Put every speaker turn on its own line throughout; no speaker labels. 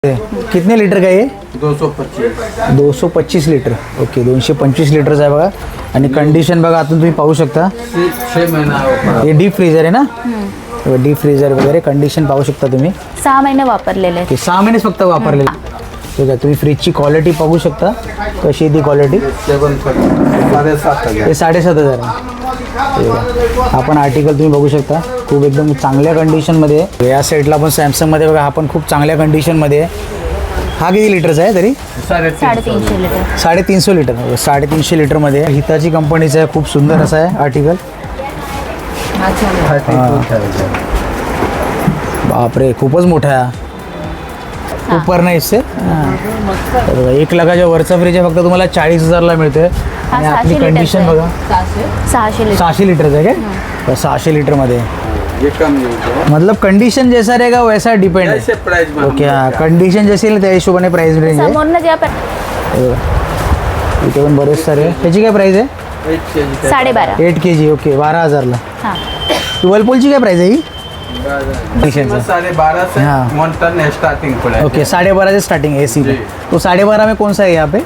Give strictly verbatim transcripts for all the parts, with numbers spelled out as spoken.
कितने लीटर का ये?
दो सौ पच्चीस
दो सौ पच्चीस लीटर. ओके, दोनशे पंचवीस लिटरचा आहे बघा. आणि कंडिशन बघा आतून तुम्ही पाहू शकता.
छः महीना
हे डीप फ्रीजर आहे ना? डीप फ्रीजर वगैरे कंडिशन पाहू शकता तुम्ही.
सहा महिने वापरलेले आहेत.
ते सहा महिनेच फक्त वापरलेले. ठीक आहे, तुम्ही फ्रीजची क्वालिटी पाहू शकता कशी आहे ती क्वालिटी.
सेवन साडेसात हजार
हे साडेसात हजार आहे. आपण आर्टिकल तुम्ही बघू शकता, खूप एकदम चांगल्या कंडिशनमध्ये आहे. या साईडला पण सॅमसंगमध्ये बघा, हा पण खूप चांगल्या कंडिशनमध्ये आहे. हा किती लिटरचा आहे तरी?
साडेतीनशे लिटर.
साडेतीनशे लिटर साडेतीनशे लिटरमध्ये हिताची कंपनीचं आहे. खूप सुंदर असं आहे आर्टिकल. बापरे, खूपच मोठा आहे. ऊपर नाही इससे. एक लाखाच्या वरचा फ्रीज आहे, फक्त तुम्हाला चाळीस हजारला मिळतोय. आणि आपली कंडिशन बघा,
सहाशे लिटर
सहाशे लिटरचं आहे काय? सहाशे लिटरमध्ये
ये कम यूज है.
मतलब कंडिशन जैसा रहेगा वैसा डिपेंड है.
ऐसे प्राइस में
ओके, हाँ, कंडिशन जैसी आहे त्या हिशोबाने प्राइस रेंज आहे.
समोरनं जे आपण
इथे पण बरेच सारे आहे. त्याची काय प्राइस आहे?
एट के जी
साडेबारा.
एट के जी. ओके, बारा हजारला.
हां,
वर्लपूलची काय प्राइस आहे ही?
साढ़े बारह से
हाँ.
वन टन स्टार्टिंग पड़ा.
ओके, साढ़े बारह से स्टार्टिंग है एसी में. तो साढ़े बारह में कौन सा है यहाँ पे?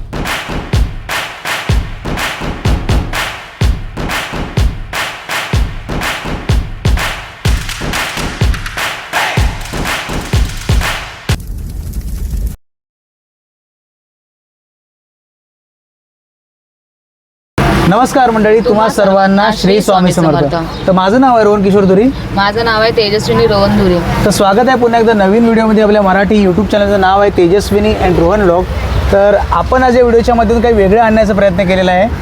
नमस्कार मंडळी, तुम्हा सर्वांना श्री स्वामी समर्थ. तर माझं नाव आहे रोहन किशोर धुरी.
माझं नाव आहे तेजस्विनी रोहन धुरे.
तर स्वागत आहे पुन्हा एकदा नवीन व्हिडिओमध्ये. आपल्या मराठी यूट्यूब चॅनलचं नाव आहे तेजस्विनी अँड रोहन व्लॉग. तर आपण आज या व्हिडिओच्या माध्यमातून काही वेगळं आणण्याचा प्रयत्न केलेला आहे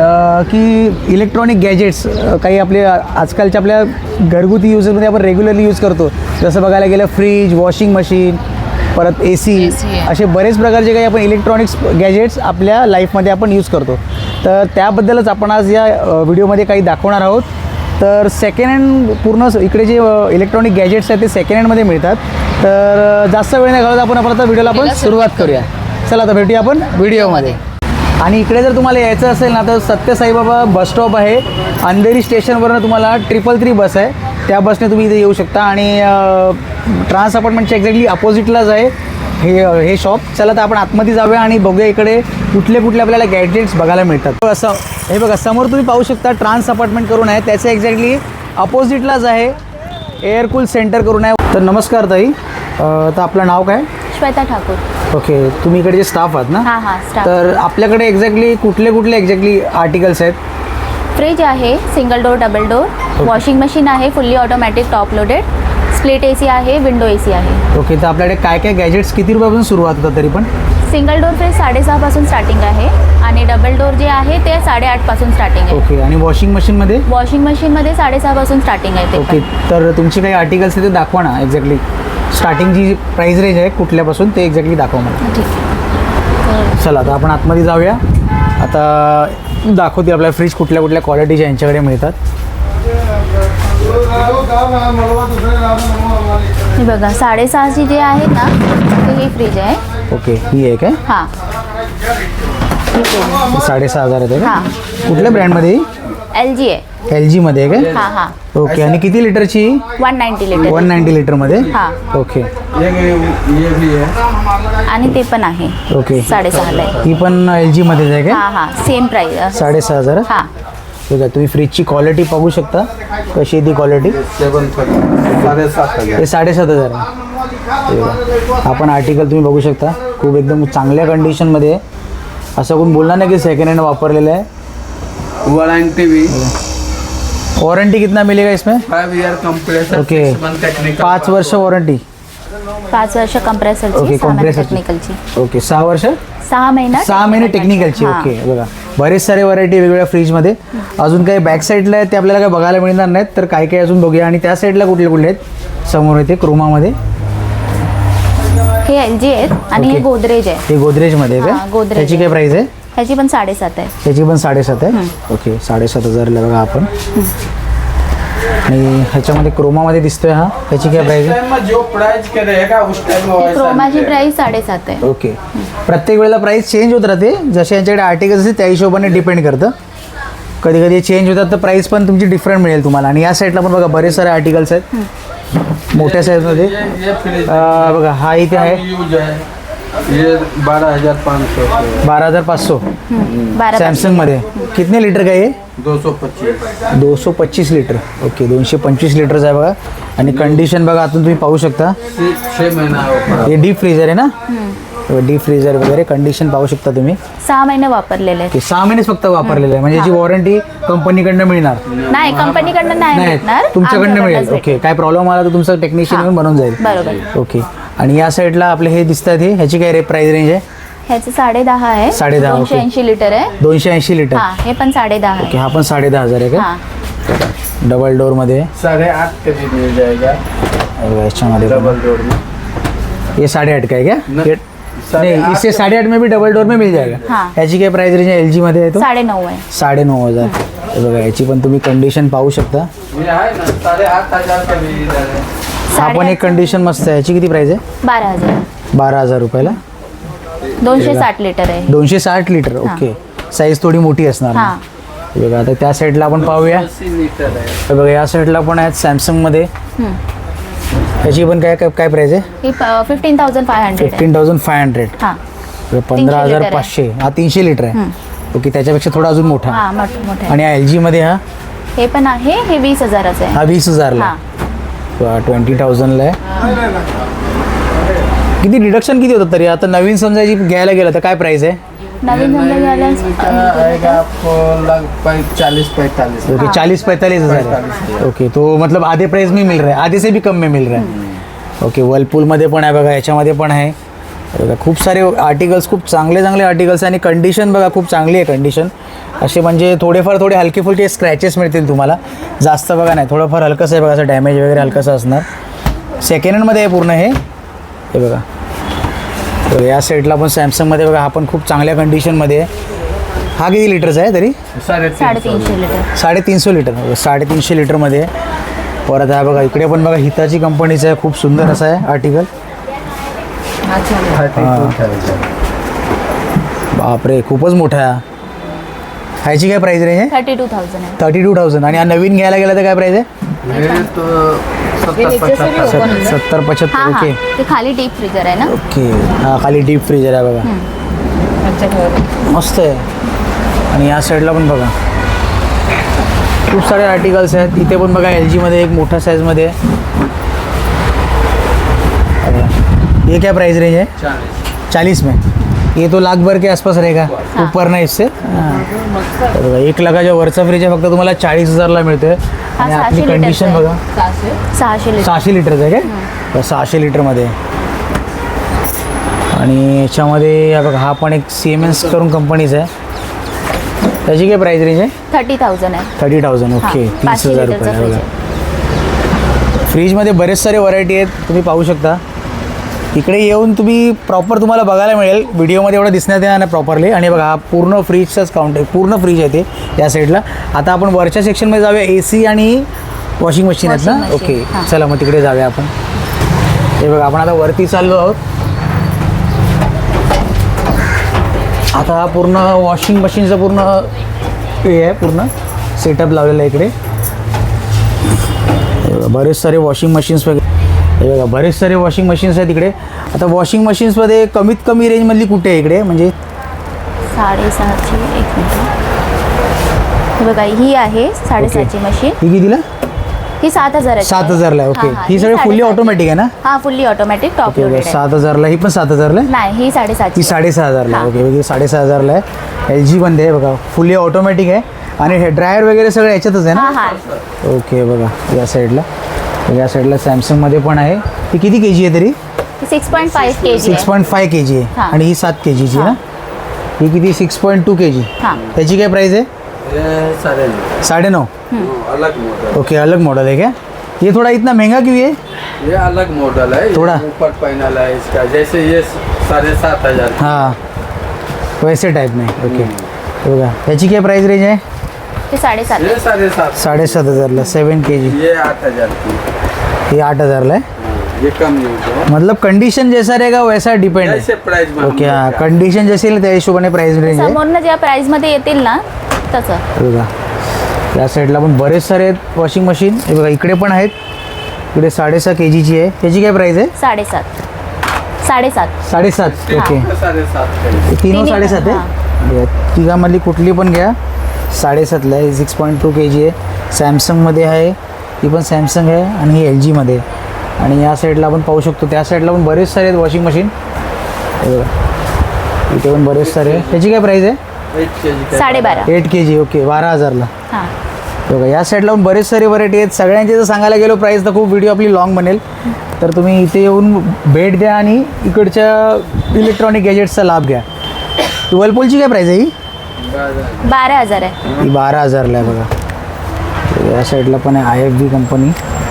की इलेक्ट्रॉनिक गॅजेट्स काही आपले आजकालच्या आपल्या घरगुती युजमध्ये आपण रेग्युलरली यूज करतो. जसं बघायला गेलं फ्रीज, वॉशिंग मशीन, परत ए सी, असे बरेच प्रकारचे काही आपण इलेक्ट्रॉनिक्स गॅजेट्स आपल्या लाईफमध्ये आपण यूज करतो. तर त्याबद्दलच आपण आज या व्हिडिओमध्ये काही दाखवणार आहोत. तर सेकंड हँड पूर्ण इकडे जे इलेक्ट्रॉनिक गॅजेट्स आहेत ते सेकंड हँडमध्ये मिळतात. तर जास्त वेळ नाही घालवत आपण आपण आता व्हिडिओला आपण सुरुवात करूया. चला आता भेटूया आपण व्हिडिओमध्ये. आणि इकडे जर तुम्हाला यायचं असेल ना तर सत्य साईबाबा बस स्टॉप आहे. अंधेरी स्टेशनवरनं तुम्हाला ट्रिपल थ्री बस आहे, त्या बसने तुम्ही इथे येऊ शकता. आणि ट्रान्स अपार्टमेंटच्या एक्झॅक्टली अपोजिटलाच आहे हे हे शॉप. चला तर आपण आतमध्ये जाऊया आणि बघूया इकडे कुठले कुठले आपल्याला गॅजेट्स बघायला मिळतात. असं हे बघा, समोर तुम्ही पाहू शकता ट्रान्स अपार्टमेंट करून आहे, त्याच्या एक्झॅक्टली अपोजिटलाच आहे एअरकूल सेंटर करून आहे. तर नमस्कार ताई, तर आपलं नाव काय?
श्वेता ठाकूर.
ओके, तुम्ही इकडे स्टाफ आहात ना?
हां हां, स्टाफ.
तर आपल्याकडे एक्झॅक्टली कुठले कुठले एक्झॅक्टली आर्टिकल्स आहेत?
फ्रीज आहे single door, double door. Washing machine आहे fully automatic top loaded. Split A C आहे, विंडो ए सी आहे.
ओके, तर आपल्याकडे काय काय गॅजेट्स किती रुपयापासून सुरुवात होतात तरी पण?
सिंगल डोर फ्रीज साडेसहापासून स्टार्टिंग आहे आणि डबल डोर जे आहे ते साडेआठपासून स्टार्टिंग आहे.
ओके, आणि वॉशिंग मशीनमध्ये?
वॉशिंग मशीनमध्ये साडेसहापासून स्टार्टिंग आहे ते
ओके,
पण.
तर तुमचे काही आर्टिकल्स ते दाखवा ना. एक्झॅक्टली स्टार्टिंगची जी प्राईस रेंज आहे कुठल्यापासून ते एक्झॅक्टली दाखवा मला.
ठीक.
चला आता आपण आतमध्ये जाऊया. आता दाखवते आपल्याला फ्रीज कुठल्या कुठल्या क्वालिटीच्या यांच्याकडे मिळतात.
हे बघा, साडेसहाची जे आहे ना ते ही फ्रीज आहे.
ओके, ही आहे काय?
हां,
साडेसहा हजार आहे का?
हां.
कुठल्या ब्रँडमध्ये?
एल जी आहे.
एल जीमध्ये आहे काय?
हां हां.
ओके, आणि किती लिटरची?
One ninety litre.
One ninety लिटरमध्ये?
हां.
ओके
ये ये भी है.
आणि ते पण आहे
ओके,
साडेसहाला आहे.
ही पण एल जीमध्येच आहे काय?
हां हां, सेम प्राईस.
साडेसहा हजार.
हां,
ठीक आहे, तुम्ही फ्रीजची क्वालिटी पाहू शकता कशी आहे ती क्वालिटी.
सेवन साडेसात हजार.
हे साडेसात हजार आहे. ठीक आहे, आपण आर्टिकल तुम्ही बघू शकता, खूप एकदम चांगल्या कंडिशनमध्ये आहे. असं कोण बोलणार नाही की सेकंड हँड वापरलेलं आहे.
वारंटी भी
वॉरंटी कितना मिलेगा इसमें?
Five year compressor.
Okay,
technical
पाच वर्ष वॉरंटी.
पाच वर्ष कंप्रेसरची,
ओके,
सहा महिने
कंप्रेसरची.
टेक्निकलची.
ओके, सहा वर्ष
सहा महिना
सहा महिने टेक्निकलची.
हां.
ओके, बघा बरेच सारे व्हरायटी वेगवेगळ्या फ्रीजमध्ये. अजून काही बॅक साईडला आहेत ते आपल्याला काही बघायला मिळणार नाहीत, तर काय काय अजून बघूया. आणि त्या साईडला कुठले कुठले आहेत? समोर येते क्रोमामध्ये
हे एल जी आहेत आणि हे
ओके.
गोदरेज आहे.
हे गोदरेजमध्ये आहे
हां,
का?
गोदरेज
त्याची काय
आहे.
प्राईस आहे?
ह्याची पण साडेसात आहे.
त्याची पण साडेसात आहे. ओके, साडेसात हजारला बघा आपण. आणि ह्याच्यामध्ये क्रोमामध्ये दिसतोय हा, त्याची काय प्राईस आहे?
टाइम में जो प्राइस के रहेगा उस टाइम में वैसा
क्रोमाची
मिलेगा.
प्राईस साडेसात आहे.
ओके, प्रत्येक वेळेला प्राईस चेंज होत राहते, जसे यांच्याकडे आर्टिकल्स असते त्या हिशोबाने डिपेंड करतं. कधी कधी चेंज होतात तर प्राईस पण तुमची डिफरंट मिळेल तुम्हाला. आणि या साईडला पण बघा बरेच सारे आर्टिकल्स आहेत. मोठ्या साईजमध्ये
ये ये फ्रिज
अं, बघा हा इथे आहे
यूज है ये बारह हजार पाँच सौ
बारह हजार पाच सौ
बारा
सॅमसंगमध्ये कितने लिटर का आहे
दो सौ पच्चीस
दो सौ पच्चीस लिटर ओके दोनशे पंचवीस लिटरचं आहे बघा आणि कंडिशन बघा आतून तुम्ही पाहू शकता
छः महीना हो
हे डीप फ्रीजर आहे ना डीप फ्रीजर वगैरे कंडिशन पाहू शकता तुम्ही
सहा महिने वापरलेले आहेत.
ते सहा महिनेच फक्त वापरलेलं आहे म्हणजे याची वॉरंटी कंपनीकडनं मिळणार
नाही कंपनीकडनं नाही
नाही
भेटणार,
तुमच्याकडनं
आमच्याकडनंच
मिळेल ओके
भेटेल.
काय प्रॉब्लेम आला तर तुमचं टेक्निशियन येऊन बनवून जाईल
बरोबर.
ओके आणि या साईडला आपले हे दिसतात हे ह्याची काय रे प्राइस रेंज आहे
ह्याचे साडे दहा आहे
साडे दहा,
दोनशे
ओके.
ऐंशी लिटर आहे.
दोनशे ऐंशी लिटर
हा हे पण साडे दहा
ओके
आहे.
हा पण साडे दहा हजार आहे का
हा
डबल डोरमध्ये
साढ़े आठ के भी मिल जाएगा
याच्यामध्ये पण.
डबल डोर में
ये साढ़े आठ का है क्या
न-
ये-
साढ़े
नहीं
आठ
इससे
का-
साढ़े आठ में भी डबल डोर में मिल जाएगा
हाँ.
याची काय प्राइस रेंज आहे एल जीमध्ये आहे तो
साडे नऊ आहे.
साडे नऊ हजार हे बघा याची पण तुम्ही कंडिशन पाहू शकता
ये है ना साढ़े आठ हजार का भी इधर है
हा पण
साडे
एक कंडिशन मस्त आहे याची किती प्राइस आहे
बारा हजार
बारा हजार रुपयाला
दोनशे साठ लिटर आहे.
दोनशे साठ लिटर ओके साईज थोडी मोठी असणार
हा
हे बघा आता त्या साईडला आपण पाहूया
अस्सी लीटर है
हे बघा या साईडला पण आहेत सॅमसंगमध्ये
हम्म.
याची पण काय काय काय प्राइस आहे
ही फिफ्टीन थाउजंड फाय हंड्रेड आहे.
फिफ्टीन थाउजंड फाय हंड्रेड
हा
पंधरा हजार
लिटर आहे.
पाचशे हा तीनशे लिटर आहे ओके त्याच्यापेक्षा थोडा अजून मोठा
हा मोठे मोठे आहे.
आणि एल जीमध्ये हा
हे पण आहे हे वीस हजाराचं आहे.
हा वीस हजारला
हा
ट्वेंटी थाउजंडला आहे किती डिडक्शन किती होतं तरी आता नवीन समजायची घ्यायला गेलं तर काय प्राइस आहे
नवीन धंदा घ्यायला
का आएगा आपको लगभग चालीस पैंतालीस
ओके चालीस पैंतालीस हज़ार है ओके तो मतलब आधे प्राइस में मिल रहा है आधे से भी कम में मिल रहा है ओके वर्लपूलमध्ये पण आहे बघा याच्यामध्ये पण आहे बघा खूप सारे आर्टिकल्स खूप चांगले चांगले आर्टिकल्स आहे आणि कंडिशन बघा खूप चांगली आहे कंडिशन असे म्हणजे थोडेफार थोडे हलके फुलके स्क्रॅचेस मिळतील तुम्हाला जास्त बघा नाही थोडंफार हलकंसं आहे बघा असं डॅमेज वगैरे हलकंसं असणार सेकंड हँडमध्ये आहे पूर्ण हे हे बघा तर या साईडला पण सॅमसंगमध्ये बघा हा पण खूप चांगल्या कंडिशनमध्ये आहे हा किती लिटरचा आहे तरी
साढ़े
साडेतीनशे लिटर
साडेतीनशे लिटर साडेतीनशे लिटरमध्ये आहे परत आहे बघा इकडे पण बघा हिताची कंपनीचं आहे खूप सुंदर असं आहे आर्टिकल बापरे खूपच मोठा आहे ह्याची काय प्राइस रेंज आहे
थर्टी टू थाउजंड आहे.
थर्टी टू थाउजंड आणि हा नवीन घ्यायला गेला तर काय प्राइस आहे
ये तो सत्तर पचहत्तर
सत- सत्तर
हा
पचहत्तर
हा
ओके
ते खाली डीप फ्रीजर आहे ना.
ओके हा खाली डीप फ्रीजर आहे बघा मस्त आहे आणि या साईडला पण बघा खूप सारे आर्टिकल्स आहेत इथे पण बघा एल जीमध्ये एक मोठ्या साईजमध्ये आहे ये क्या प्राइस रेंज है
चालीस
चालीस में ये तो लाख भर के आसपास रहेगा ऊपर ना इससे हाँ. तर बघा, एक लाखाच्या वरचा फ्रीज आहे फक्त तुम्हाला चाळीस हजारला मिळतोय
हा,
आणि
सहाशे
आपली
लिटरचा
कंडिशन
आहे.
बघा
सहाशे लिटर
सहाशे लिटरचं आहे काय सहाशे लिटरमध्ये आहे. आणि याच्यामध्ये या बघा हा पण एक सी एम एस करून कंपनीचा आहे त्याची काय प्राइस रेंज आहे
थर्टी थाउजंड आहे.
थर्टी थाउजंड
हा,
ओके तीस
पाचशे
हजार
लिटरचा
रुपये
फ्रीज
बघा
आहे.
फ्रीजमध्ये बरेच सारे व्हरायटी आहेत तुम्ही पाहू शकता इकडे येऊन तुम्ही प्रॉपर तुम्हाला बघायला मिळेल व्हिडिओमध्ये एवढं दिसण्यात येणार नाही प्रॉपरली आणि बघा हा पूर्ण फ्रीजचाच काउंट आहे पूर्ण फ्रीज आहे ते या साईडला आता आपण वरच्या सेक्शनमध्ये जाऊया ए सी आणि वॉशिंग मशीन आहेत ना
Washing machine,
ओके
हां.
चला मग तिकडे जाऊया आपण हे बघा आपण आता वरती चाललो आहोत आता हा पूर्ण वॉशिंग मशीनचं पूर्ण हे आहे पूर्ण सेटअप लावलेलं आहे इकडे हे बघा, बरेच सारे वॉशिंग मशीन्स वगैरे हे बघा बरेच सारे वॉशिंग मशीन्स आहेत इकडे आता वॉशिंग मशीन्समध्ये कमीत कमी रेंजमधली कुठे आहे इकडे म्हणजे
साडेसहाची एक मिनिट हे बघा ही आहे साडेसहाची मशीन
ही कितीला
ही सात हजार
सात हजारला आहे ओके ही सगळी फुल्ली ऑटोमॅटिक आहे ना
हा fully automatic top
okay
loaded आहे.
सात हजारला ही पण सात हजारला आहे
नाही ही साडेसातची
ही साडेसहा हजारला आहे
हां.
ओके ओके साडेसहा हजारला आहे एल जी पण आहे बघा फुल्ली ऑटोमॅटिक आहे आणि हे ड्रायर वगैरे सगळं याच्यातच आहे
हा
ना
हा
ओके बघा या साईडला या साईडला सॅमसंगमध्ये पण आहे ही किती के जी आहे तरी
six point five K G
six point five K G आहे
हां.
आणि ही सात के जीची आहे ना ही किती six point two K G
हां
त्याची काय प्राइस आहे
ये साढ़े नौ
साढ़े नौ
अलग मॉडल
ओके अलग मॉडल है क्या ये थोड़ा इतना महंगा क्यों है
ये अलग मॉडल है ये
थोड़ा?
ऊपर पैनल है इसका जैसे ये साढ़े सात हजार की।
हाँ वैसे टाइप में ओके हे बघा ह्याची काय प्राइस रेंज आहे
ते साडेसात
ये साढ़े सात
साडेसात हजारला सेवन के जी
ये आठ हजार की
ही आठ हजारला आहे
हाँ, ये कम यूज है
मतलब कंडीशन जैसा रहेगा वैसा डिपेंड है
जैसे प्राइस में हम
ओके हाँ
लोग
कंडिशन जशी येईल त्या हिशोबाने प्राइस रेंज आहे
समोरनं ज्या प्राइस मध्ये येतील ना तसं
हे बघा या साईडला पण बरेच सारे आहेत वॉशिंग मशीन हे बघा इकडे पण आहेत इकडे साडेसहा के जीची आहे. त्याची काय प्राईस आहे?
साडेसात साडेसात
साडेसात ओके.
साडेसात का
तीन
तिन्ही
साडेसात
पण,
आहे. या तिघामधली कुठली पण घ्या. साडेसातला आहे. Six point two K G आहे. सॅमसंगमध्ये आहे. ही पण सॅमसंग आहे आणि ही एल जीमध्ये आहे. आणि या साईडला आपण पाहू शकतो, त्या साईडला पण बरेच सारे आहेत वॉशिंग मशीन. हे बघा इथे पण बरेच सारे आहे. त्याची काय प्राईस आहे?
एट के जी
साडेबारा
एट के जी ओके बारा हजारला.
हां
बघा या साईडला पण बरेच सारे व्हरायटी आहेत. सगळ्यांचे जर सांगायला गेलो प्राईस तर खूप व्हिडिओ आपली लॉंग बनेल. तर तुम्ही इथे येऊन भेट द्या आणि इकडच्या इलेक्ट्रॉनिक गॅजेट्सचा लाभ घ्या. वर्लपूलची काय प्राईस आहे ही?
बारा हजार आहे.
ही बारा हजारला आहे बघा. या साईडला पण आहे आय एफ बी कंपनी,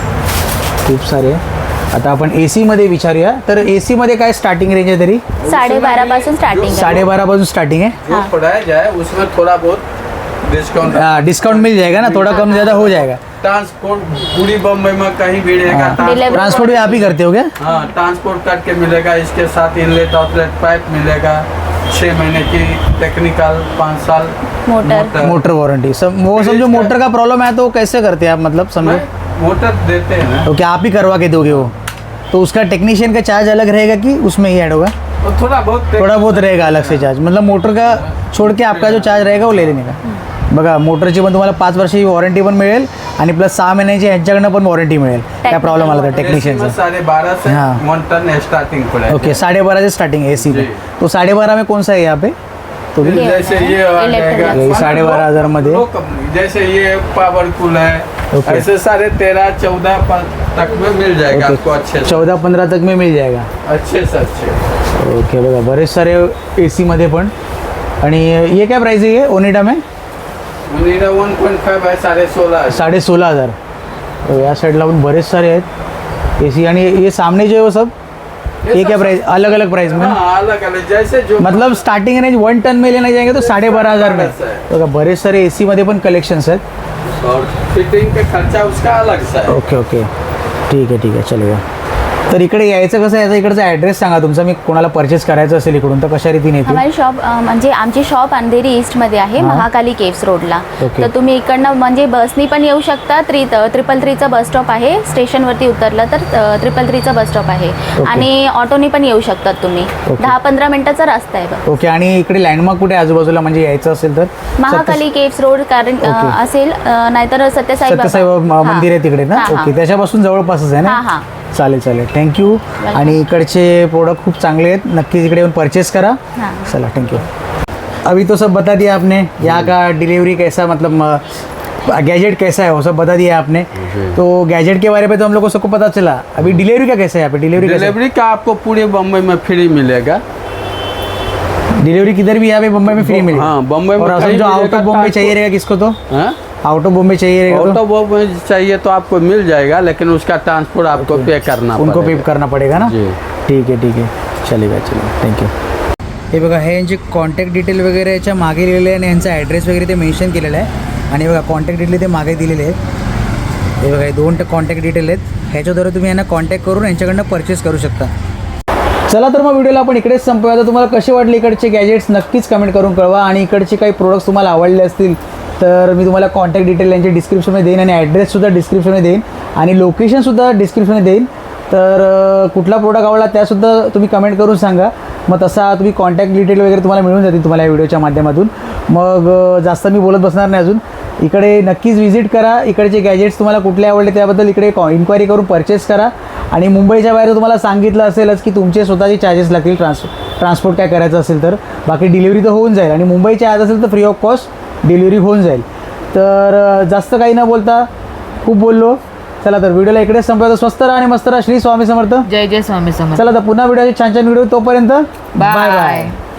खूप सारे आहे. आता आपण ए सीमध्ये विचारूया. तर ए सीमध्ये काय स्टार्टिंग रेंज आहे तरी?
साडेबारा पासून स्टार्टिंग आहे.
साडेबारापासून स्टार्टिंग है.
जो पढ़ाया जाए उसमें थोड़ा बहुत डिस्काउंट
डिस्काउंट मिल जाएगा ना, थोड़ा कम ज़्यादा हो जाएगा.
ट्रांसपोर्ट पूरी बम्बई में कहीं भी रहेगा.
Delivery-
ट्रांसपोर्ट भी आप ही करते हो क्या?
हाँ ट्रांसपोर्ट करके मिलेगा. इसके साथ इनलेट आउटलेट पाइप मिलेगा. छः महीने की टेक्निकल, पाँच साल
मोटर
मोटर वारंटी सब. वो समझो मोटर का प्रॉब्लम है तो कैसे करते हैं आप, मतलब समझो
मोटर देते हैं ना.
तो क्या आप ही करवा के दोगे वो? तो उसका टेक्नीशियन का चार्ज अलग रहेगा कि उसमें ही ऐड होगा?
और थोड़ा बहुत
थोड़ा बहुत रहेगा अलग से चार्ज, मतलब मोटर का छोड़ के आपका जो चार्ज रहेगा वो ले लेने का. बघा मोटरची पण तुम्हाला पाच वर्षाची वॉरंटी पण मिळेल आणि प्लस सहा महिन्याची ह्यांच्याकडनं पण वॉरंटी मिळेल. काय प्रॉब्लेम आला तर टेक्नीशियनचा.
साढ़े बारह से
हाँ.
वन टन स्टार्टिंग पड़ेगा.
ओके साढ़े बारह से स्टार्टिंग ए सी पे.
जी.
तो साढ़े बारह में कौन सा है यहाँ पे? तो भी
ये
जैसे
होता है,
ये आ
इलेक्ट्रिक
जाएगा.
ये साढ़े बारह हजार मध्ये.
दो कंपनी जैसे ये पावरफुल है.
ओके.
ऐसे साढ़े तेरह चौदह तक में मिल जाएगा आपको अच्छे से.
चौदह पंधरा तक में मिल जाएगा.
अच्छे से अच्छे.
ओके बघा बरेच सारे ए सीमध्ये पण. आणि ये क्या प्राइस है ये ओनिडा में?
मुनीरा वन पॉइंट फाइव है साढ़े सोलह.
साढ़े सोलह हज़ार. तो या साइडला पण बरेच सारे आहेत ए सी. आणि ये सामने जो है वो सब ये क्या प्राइस? अलग अलग प्राइस में.
हाँ अलग अलग जैसे जो
मतलब स्टार्टिंग रेंज वन टन में लेना जाएंगे तो साढ़े बारह हज़ार में. बघा बरेच सारे ए सीमध्ये पण कलेक्शन्स आहेत.
और फिटिंग का खर्चा उसका अलग सा है.
ओके ओके ठीक आहे ठीक आहे चलेगा. तर इकडे यायचं कसं, याचा इकडचा ॲड्रेस सांगा तुमचा. मी कोणाला परचेस करायचं असेल इकडून तर कशा रीतीने येतील?
हमारी शॉप अ, म्हणजे आमची शॉप अंधेरी ईस्टमध्ये आहे,
हां.
महाकाली केव्स रोडला.
ओके.
तर तुम्ही इकडनं म्हणजे बसनी पण येऊ शकता. थ्री ट्रिपल थ्रीचा बस स्टॉप आहे. स्टेशनवरती उतरलं तर ट्रिपल थ्रीचा बस स्टॉप आहे.
ओके.
आणि ऑटोनी पण येऊ शकतात तुम्ही.
ओके.
दहा पंधरा मिनिटाचा रस्ता आहे बघ.
ओके. आणि इकडे लँडमार्क कुठे आहे आजूबाजूला, म्हणजे यायचं असेल तर?
महाकाली केव्स रोड कारण अ,
ओके.
असेल अ, नाहीतर सत्यसाई
सत्यसाई
बाबा.
मंदिर आहे तिकडे ना.
हां, हां.
ओके त्याच्यापासून जवळपासच आहे ना.
हां हां
चालेल चालेल थँक्यू. आणि इकडचे प्रोडक्ट खूप चांगले आहेत, नक्कीच इकडे येऊन परचेस करा.
हाँ.
चला थैंक यू. अभी तो सब बता दिया आपने, यहाँ का डिलीवरी कैसा, मतलब गैजेट कैसा है वो सब बता दिया आपने. तो गैजेट के बारे में तो हम लोग को सबको पता चला. अभी डिलीवरी का कैसा है यहाँ पे? डिलीवरी
डिलीवरी का आपको पूरे बम्बई में फ्री मिलेगा.
डिलीवरी किधर भी यहाँ पे मुंबई में फ्री मिलेगी?
हाँ, बम्बई में
और
कहीं
जो
भी
आउट ऑफ
रहेगा,
बॉम्बे
तो
चाहिए
आपको-
रहेगा किसको, तो
हाँ?
आउट ऑफ बॉम्बे चाहिए रहेगा
आउट
तो
ऑफ बॉम्बे चाहिए तो आपको मिल जाएगा, लेकिन उसका ट्रांसपोर्ट आपको पे करना
उनको पे
पड़ेगा.
करना पड़ेगा ना.
जी.
ठीक आहे ठीक आहे चलेगा चलेगा थँक्यू. हे बघा हे यांचे कॉन्टॅक्ट डिटेल वगैरे याच्या मागे लिहिलेले आहे आणि यांचा ॲड्रेस वगैरे ते मेन्शन केलेलं आहे. आणि बघा कॉन्टॅक्ट डिटेल ते मागे दिलेले आहेत. हे बघा हे दोन कॉन्टॅक्ट डिटेल आहेत. ह्याच्याद्वारे तुम्ही यांना कॉन्टॅक्ट करून यांच्याकडनं परचेस करू शकता. चला तर मग व्हिडिओला आपण इकडेच संपूया. तर तुम्हाला कसे वाटले इकडचे गॅजेट्स नक्कीच कमेंट करून कळवा. आणि इकडचे काही प्रोडक्ट्स तुम्हाला आवडले असतील तर मी तुम्हाला कॉन्टॅक्ट डिटेल यांचे डिस्क्रिप्शनमध्ये देईन आणि ॲड्रेससुद्धा डिस्क्रिप्शनमध्ये देईन आणि लोकेशनसुद्धा डिस्क्रिप्शनमध्ये देईन. तर अ, कुठला प्रोडक्ट आवडला त्यासुद्धा तुम्ही कमेंट करून सांगा. मग तसा तुम्ही कॉन्टॅक्ट डिटेल वगैरे तुम्हाला मिळून जातील तुम्हाला या व्हिडिओच्या माध्यमातून. मग अ, जास्त मी बोलत बसणार नाही अजून. इकडे नक्कीच व्हिजिट करा. इकडचे गॅजेट्स तुम्हाला कुठले आवडले त्याबद्दल इकडे कॉ इन्क्वायरी करून परचेस करा. आणि मुंबईच्या बाहेर तुम्हाला सांगितलं असेलच की तुमचे स्वतःचे चार्जेस लागतील ट्रान्स ट्रान्सपोर्ट काय करायचं असेल तर. बाकी डिलिव्हरी तर होऊन जाईल आणि मुंबईच्या आत असेल तर फ्री ऑफ कॉस्ट डिलिव्हरी होऊन जाईल. तर अ, जास्त काही न बोलता खूप बोललो. चला तर व्हिडिओला इकडेच संपवतो. स्वस्त राहा आणि मस्त राहा. श्री स्वामी समर्थ.
जय जय स्वामी समर्थ.
चला तर पुन्हा व्हिडिओचे छान छान व्हिडिओ. तोपर्यंत बाय बाय.